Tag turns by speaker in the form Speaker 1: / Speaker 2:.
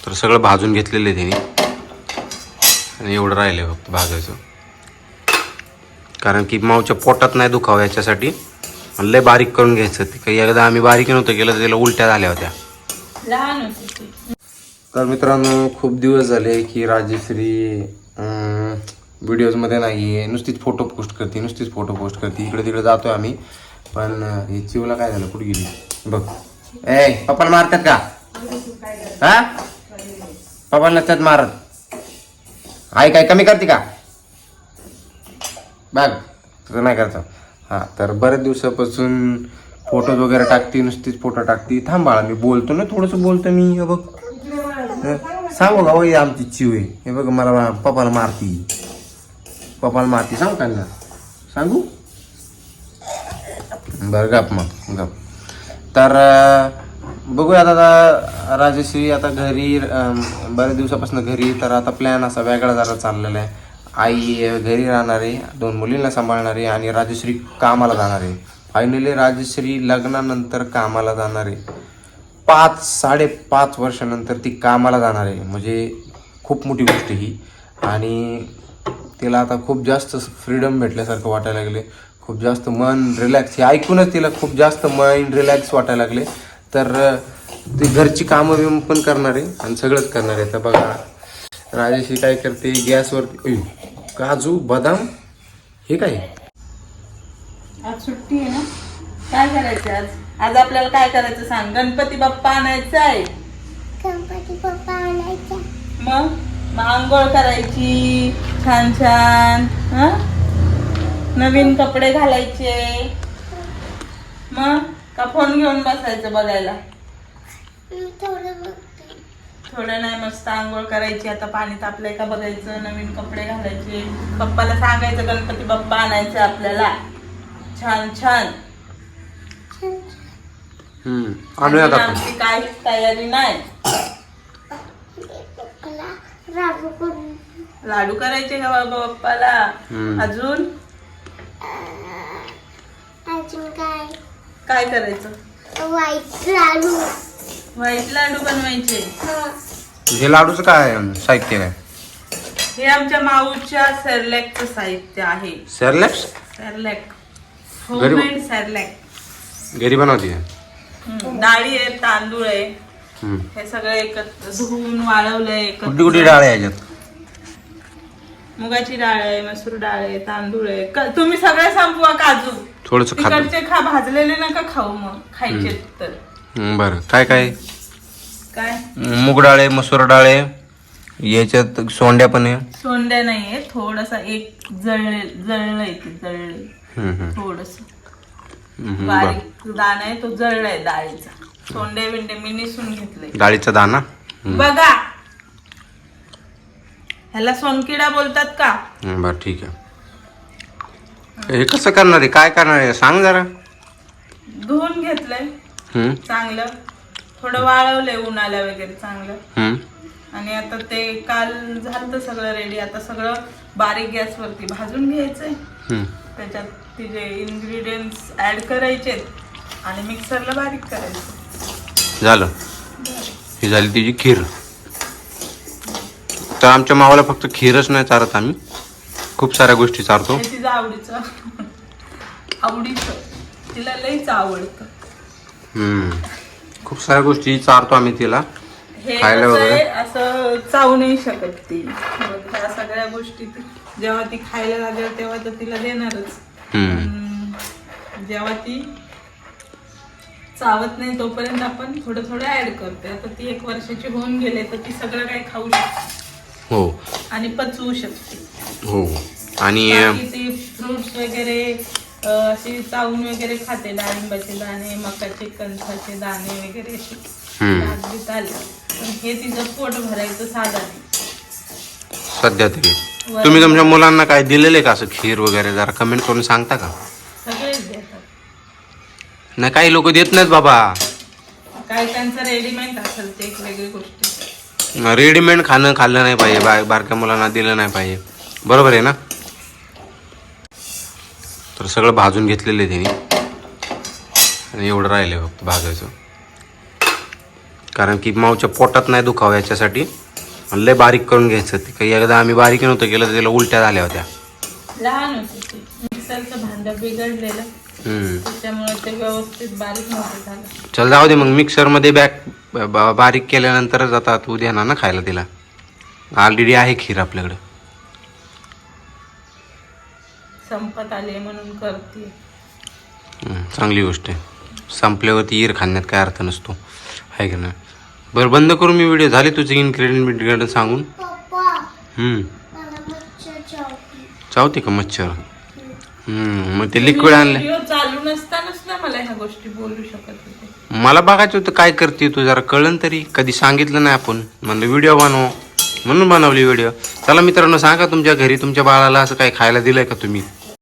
Speaker 1: तर सगळं भाजून घेतलेलं आहे त्याने आणि एवढं राहिलं आहे फक्त भाजायचं. कारण की माऊच्या पोटात नाही दुखावं याच्यासाठी लय बारीक करून घ्यायचं. ते काही एकदा आम्ही बारीक नव्हतं केलं तर त्याला उलट्या झाल्या होत्या.
Speaker 2: लहान होती.
Speaker 1: तर मित्रांनो खूप दिवस झाले की राजेश्री व्हिडिओजमध्ये नाही आहे. नुसतीच फोटो पोस्ट करते. इकडे तिकडे जातोय आम्ही. पण हे चिवला काय झालं, कुठे गेली बघ. ए पप्पाला मारतात का? हा पप्पाला नसतात मारत. आई काय कमी करते का बघ? तुझं नाही करतं. हां तर बऱ्याच दिवसापासून फोटोज वगैरे टाकते, नुसतीच फोटो टाकते. थांब बाळा मी बोलतो ना, थोडंसं बोलतो मी. हे बघ सांगू का वय आमची चिव आहे. हे बघ मला पप्पाला मारती सांगू का ना? सांगू बरं गप मग गप. तर बघूया आता राजेश्री आता घरी बऱ्याच दिवसापासून घरी. तर आता प्लॅन असा वेगळा जरा चाललेला आहे. आई घरी राहणार आहे, 2 मुलींना सांभाळणार आहे आणि राजेश्री कामाला जाणार आहे. फायनली राजेश्री लग्नानंतर कामाला जाणार आहे. 5-5.5 वर्षानंतर ती कामाला जाणार आहे. म्हणजे खूप मोठी गोष्ट ही. आणि तिला आता खूप जास्त फ्रीडम भेटल्यासारखं वाटायला लागले. खूप जास्त मन रिलॅक्स, हे ऐकूनच तिला खूप जास्त माइंड रिलॅक्स वाटायला लागले. तर ती घरची कामं पण करणार आहे आणि सगळंच करणार आहे. तर बघा राजेश्री काय करते, गॅसवर काजू बदाम हे काय.
Speaker 2: आज सुट्टी आहे ना, काय करायचं आज? आज आपल्याला काय करायचं सांग? गणपती बाप्पा आणायचा आहे. मग आंघोळ करायची छान छान. नवीन कपडे घालायचे. मग का फोन घेऊन बसायचं बघायला? थोडं नाही, मस्त आंघोळ करायची. आता पाणी तापलंय का बघायचं, नवीन कपडे घालायचे. पप्पाला सांगायचं गणपती बाप्पा आणायचं आपल्याला छान छान. आमची काहीच तयारी नाही. लाडू करायचे का बाबा बाप्पाला? अजून काय करायचं? व्हाईट लाडू बनवायचे.
Speaker 1: हे लाडूचं काय साहित्य काय?
Speaker 2: हे आमच्या माऊच्या सेरलॅकचं साहित्य आहे.
Speaker 1: सेरलॅक
Speaker 2: होममेड सेरलॅक
Speaker 1: घरी बनवते.
Speaker 2: डाळी आहे, तांदूळ आहे, हे सगळं एकत्र धुवून वाळवलंय.
Speaker 1: कुठली डाळ आहे याच्यात?
Speaker 2: मुगाची डाळ आहे, मसूर डाळ आहे, तांदूळ आहे. तुम्ही सगळे संपवा. काजू
Speaker 1: थोडस
Speaker 2: तिकडचे खा, भाजलेले नका खाऊ. मग खायचे तर
Speaker 1: बरं. काय काय
Speaker 2: काय?
Speaker 1: मूग डाळ आहे, मसूर डाळ आहे, याच्यात सोंड्या पण आहे.
Speaker 2: सोंड्या नाहीये, थोडस एक जळलंय थोडस बारीक दाणा आहे, तो जळलाय डाळीचा. सोंडे बिंडे मी निसून घेतलंय.
Speaker 1: डाळीचा दाणा
Speaker 2: बघा, ह्याला सोनकिडा बोलतात का?
Speaker 1: बरं ठीक आहे. हे कसं करणार आहे, काय करणार आहे सांग जरा.
Speaker 2: धुवून घेतलंय चांगलं, थोडं वाळवलंय उन्हाला वगैरे चांगलं. आणि आता ते काल झालं सगळं रेडी. आता सगळं बारीक गॅसवरती भाजून घ्यायचंय. त्याच्यात तिचे इन्ग्रेडियंट्स ऍड करायचे आणि मिक्सरला बारीक करायचं.
Speaker 1: झालं. ही झाली तिची खीर. तर आमच्या मावाला फक्त खीरच नाही चारत, आम्ही खूप साऱ्या गोष्टी चारतो.
Speaker 2: तिचं आवडीचं तिला लईच आवडतं.
Speaker 1: खूप साऱ्या गोष्टी चारतो आम्ही तिला.
Speaker 2: हे असं चावू नाही शकत ती. ह्या सगळ्या गोष्टी जेव्हा ती खायला लागेल तेव्हा तर तिला देणारच. जेव्हा ती चावत नाही तोपर्यंत आपण थोडं थोडं ऍड करते. आता ती 1 वर्षाची होऊन गेले तर ती सगळं काही खाऊ शकते.
Speaker 1: हो.
Speaker 2: आणि पचवू शकते.
Speaker 1: हो. आणि
Speaker 2: ती फ्रुट्स वगैरे अशी चावून वगैरे खाते. डाळिंबाचे दाणे, मकाचे कणसाचे दाणे वगैरे असे आले. पण हे तिचं पोट भरायचं साधं नाही
Speaker 1: सध्या तरी. तुम्ही तुमच्या मुलांना काय दिलेले का असं खीर वगैरे? जरा कमेंट करून सांगता का?
Speaker 2: सगळेच देतात.
Speaker 1: नाही, काही लोक देत नाहीत बाबा.
Speaker 2: काय त्यांचं रेडीमेड असेल ते एक वेगळी गोष्ट.
Speaker 1: रेडीमेड खाल्लं नाही पाहिजे, बारक्या मुलांना दिलं नाही पाहिजे. बरोबर आहे ना? तर सगळं भाजून घेतलेलं आहे त्यांनी आणि एवढं राहिलं फक्त भाजायचं. कारण की माऊच्या पोटात नाही दुखावं याच्यासाठी. आणि लय बारीक करून घ्यायचं. ते काही एकदा आम्ही बारीक नव्हतं केलं तर त्याला उलट्या झाल्या होत्या.
Speaker 2: लहान होती ती. मिक्सरचं भांडं बिघडलेलं त्याच्यामुळे ते व्यवस्थित बारीक नव्हतं झालं.
Speaker 1: चल जाऊ दे मग. मिक्सरमध्ये बारीक केल्यानंतरच आता तू देणार ना खायला तिला. ऑलरेडी आहे खीर आपल्याकडे.
Speaker 2: संपत आले म्हणून करते.
Speaker 1: चांगली गोष्ट आहे. संपल्यावरती ईर खाण्यात काय अर्थ नसतो, आहे का नाही. बरं बंद करून मी व्हिडिओ. झाले तुझे इन्ग्रेडियंट सांगून. चावते का मच्छर? मग ते लिक्विड आणलं.
Speaker 2: व्हिडिओ चालू नसतानाच ना मला ह्या गोष्टी बोलू शकत होते.
Speaker 1: मला बघायचं होतं काय करते तू, जरा कळलं तरी. कधी सांगितलं नाही आपण. म्हणलं व्हिडिओ बनव म्हणून बनवली व्हिडिओ. चला मित्रांनो, सांगा तुमच्या घरी तुमच्या बाळाला असं काय खायला दिलंय का तुम्ही?